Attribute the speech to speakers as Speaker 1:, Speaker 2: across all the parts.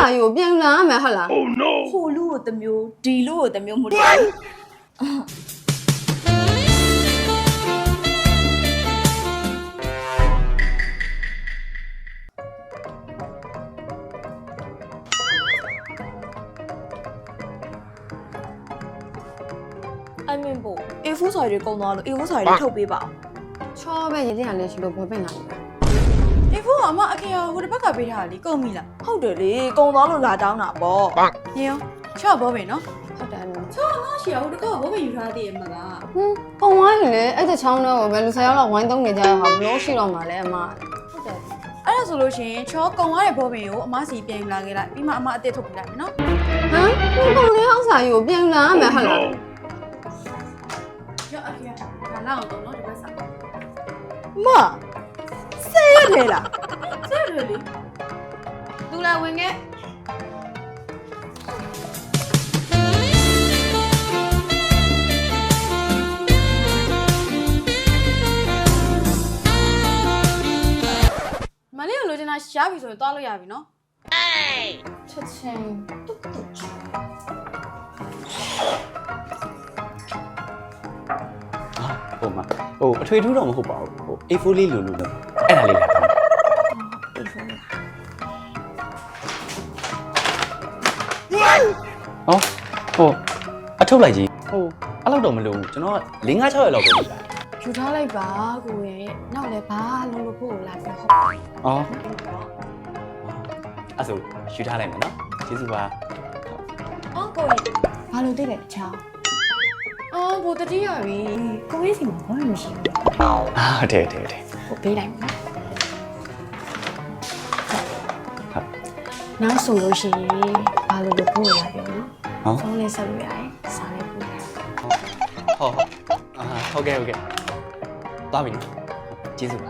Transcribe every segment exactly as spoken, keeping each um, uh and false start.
Speaker 1: စာကြီးကိုပြန်လာမယ်ဟုတ်လား
Speaker 2: Oh no
Speaker 3: ဟိုလူကိုတစ်မျိုးဒီလူကိုတစ်မျိုးမဟုတ်တယ်အမင်းဘို A four စာရီကုန်သွားလို့ A four စာရီထုတ်ပေးပါ
Speaker 1: ချောပဲရေးတဲ့ဟာလေးရှိလို့ဘောပင်လာပြီ
Speaker 3: A four ကအမအခေရဟိုတစ်ဘက်ကပေးထားတာလေကုန်ပြီလားဟုတ်တယ်လေကုန်သွားလို့လာတောင်းတာပေါ့ညရောချော့ဘောပဲနော်
Speaker 1: ဟုတ်တယ်နော်
Speaker 3: ချော့ငါရှီရဟိုတစ်ခါဘောပဲယူထားသေးရဲ့မလား
Speaker 1: ဟင်းပုံဝိုင်းလေအဲ့တဲ့ချောင်းတော့ဘယ်လူဆယ်ယောက်လောက်ဝိုင်းသုံးနေကြရဟာဘလို့ရှိတော့မှာလဲအမဟုတ်တယ်
Speaker 3: အဲ့ဒါဆိုလို့ရှိရင်ချောကုန်သွားတဲ့ဘောပင်ကိုအမစီပြန်ယူလာခဲ့လိုက်ပြီးမှအမအစ်စ်ထုတ်ပြလိုက်မယ်နော်
Speaker 1: ဟမ်ဒီပုံလေးဟောက်စာကြီးကိုပြန်လာမယ်ဟုတ်လား
Speaker 3: ရောအခေရဒါလောက်အောင်တော့နော်ဒီဘက်စားမဆဲရတယ်လားဆဲရတယ်လေသူလာဝင်ခဲ့မလေးကိုလိုချင်တာရှားပြီဆိုရင်သွားလို့ရပြီနော်အေး
Speaker 1: ချက်ချင်းတုတ်တုတ်
Speaker 4: ဟိုမှာဟိုအထွေထူးတော့မဟုတ်ပါဘူးဟို A four လေးလိုလိုတော့အဲ့ဒါလေးလာတော့
Speaker 1: အေးဖုန်းလေး
Speaker 4: ဟောဟိုအထုတ်လိုက်ကြီးဟိုအဲ့လောက်တော့မလိုဘူးကျွန်တော်က၄၅၆ရက်လောက်ပဲလုပ်တာ
Speaker 1: ယူထားလိုက်ပါကိုရဲ့နောက်လည်းဘာလုံးလို့ဖို့လာပြီးဟုတ်
Speaker 4: အော်အဲ့ဆိုယူထားလိုက်မယ်နော်ကျေးဇူးပါ
Speaker 3: အော်ကိုကြီး
Speaker 1: ဘာလို့သိတယ်ချောင်း
Speaker 3: အော်ဘိုတတိယပြီ
Speaker 1: ကိုရဲ့စီမှာဘာမှမရှိဘူး
Speaker 4: အာဟုတ်တယ်ဟုတ်တယ်ဟုတ်တယ်
Speaker 1: ကိုပေးလိုက်မယ်နောက်ဆိုလို့ရှိရင်ဘာလို့လို့ဖို့လာပြီးနော်ဖုန်းလေးဆက်လို့ရတယ်စားလေးပို့
Speaker 4: ဟုတ်ဟုတ်အာဟုတ်ကဲ့ဟုတ်ကဲ့သွားပြီနော်ကျေးဇူးပါ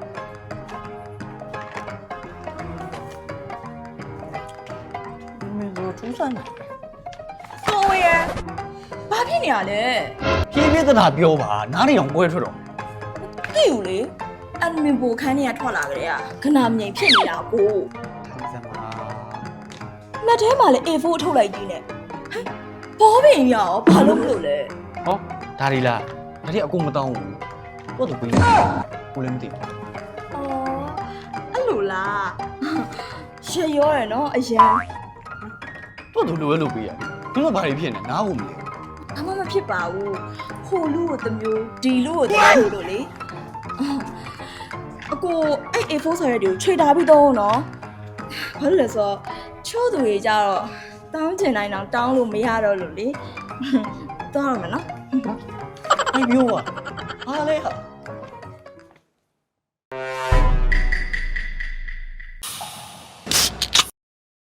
Speaker 3: မင်းတို့ထူးဆန်းတယ်ကိုရဘာဖြစ်နေရလဲ
Speaker 5: ပြင်းပြသတာပြောပါနားနေအောင်ကွဲထွက်တော့
Speaker 3: သိဘူးလေအန်မင်ဘိုခန်းထဲကထွက်လာကြတဲ့ခဏမြိန်ဖြစ်နေတာကို
Speaker 4: ထိုင်စမ်းပါ
Speaker 3: လက်ထဲမှာလည်း A four ထုတ်လိုက်ကြီးနဲ့ဟဲ့ဘောပင်ရောဘာလို့မလို့လဲ
Speaker 5: ဟောဒါဒီလားဒါဒီအကုန်မတောင်းဘူးတော့သူပြီးကိုလည်းမသိဘူး
Speaker 3: အော်အဲ့လိုလားရှယ်ရောရယ်နော်အရန်
Speaker 5: တော့သူလိုပဲလုပ်ပေးရတယ်သူတို့ဘာတွေဖြစ်နေနားဖို့မလဲ
Speaker 3: အမမဖြစ်ပါဘူးဟိုလူကိုတစ်မျိုးဒီလူကိုတစ်မျိုးလို့လေအကိုအဲ့ A four ဆိုရက်တွေကိုခြေထားပြီးတော့နော်ဘာလို့လဲဆိုတော့ချို့သူတွေကြတော့တောင်းကျင်တိုင်းတော့တောင်းလို့မရတော့လို့လေတောင်းရမယ်နော်
Speaker 5: အဲ့မျိုးอ่ะဟာလေဟာ